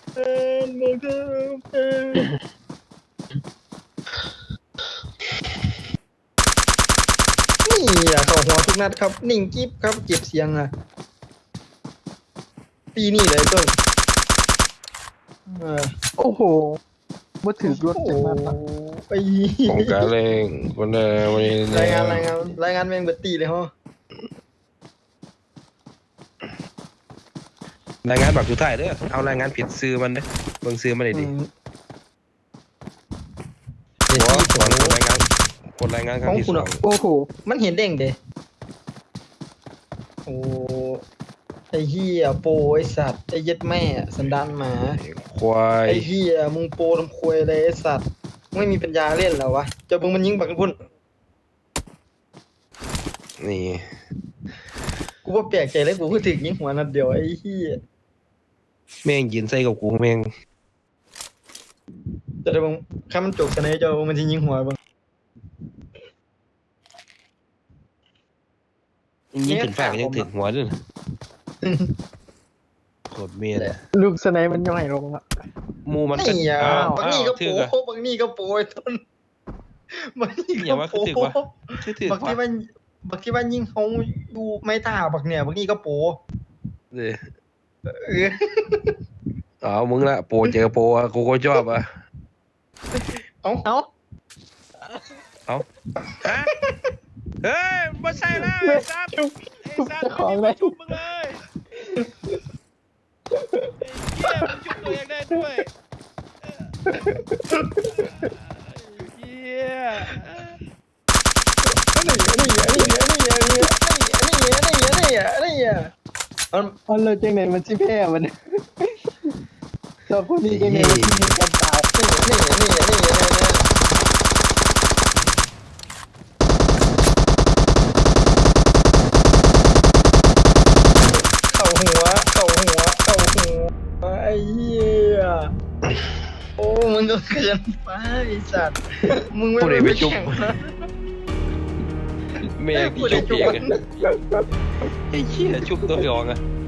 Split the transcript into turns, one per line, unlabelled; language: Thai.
บอกเธอนี่อ่ะเข้าหัวทุกนัดครับนิ่งกิ๊บครับเก็บเสียงอ่ะปีนี่เลยต้นเออ
โอ้โหมาถือรถจากนั้นอะ
ไป
ของการเล่งวันวันนี้
รายงานแม่งเบิดตีเลยฮะ
รายงานแบบสุดท้ายเด้อเอารายงานผิดซื้อมันเด้อเบิ่งซื้อมันได้ดิหัวสอนคนรายงานครั้งที่สอง
โอ้โห
มันเห็นเด้งเด้โอ้ไอ้เหี้ยโปไอ้สัตว์ไอ้เย็ดแม่สันดานหมา
ควาย
ไอ้เหี้ยมึงโปทำควยเลยไอ้สัตว์ไม่มีปัญญาเล่นแล้ววะเจะมึงมันยิงบักพุ่น
นี่
กูว่าแปลกใจเลยกูก็ถึงยิงหัวนัดเดียวไอ้เหี้ย
แม่งยินใส่กับกูแม่ง
แต่ถ้ามึงข้ามันจบกันไอ้เจ้ามันจะยิงหัวบ้าง
ยิงขึ้นฟ้าก็ยังถึงหัวด้วยนะโคตรเมียเลย
ลูกสไนมันย่อยลงอะ
มูมันก็
นี่อ่ะ
อ้าว
บางนี่ก็
ถือ
โปบางนี่ก็โปไอ้ต้นบางนี่
อย่า
ก็
ว่า
โป
คือถือวะ ถือ
บักที่ว่ายิงเขาดูไม่ตาบักเนี่ยบักนี่ก็โป
เด้อ
เออ
อ๋อมึงละโปรเจอโปรอะกูก็ชอบอ่ะ
เอ้า
เอ้า
ฮะเฮ้ยไม่ใช่แล้วไอ้ซับ
ชุบ
ไอ้
ชุบ
ซับ
เจ้าของเลย
จุบมึงเลยไอ้เหี้ยมึงจุบตัวเองได้ด้วยไอ้เหี้ย
อันเราจังไหนมันชิแพ้มันเราพวกนี้จังไหนมันชิมีกันตาย
เข้าหัวไอ้เหี้ยโอ้มึงก็เกินไปไอ้สัตว์มึงไม่
ผู้ใดไปจุบ
แข่งนะ
แม่งจุบเองอะไอ้เหี้ยจุบตัวเองอะ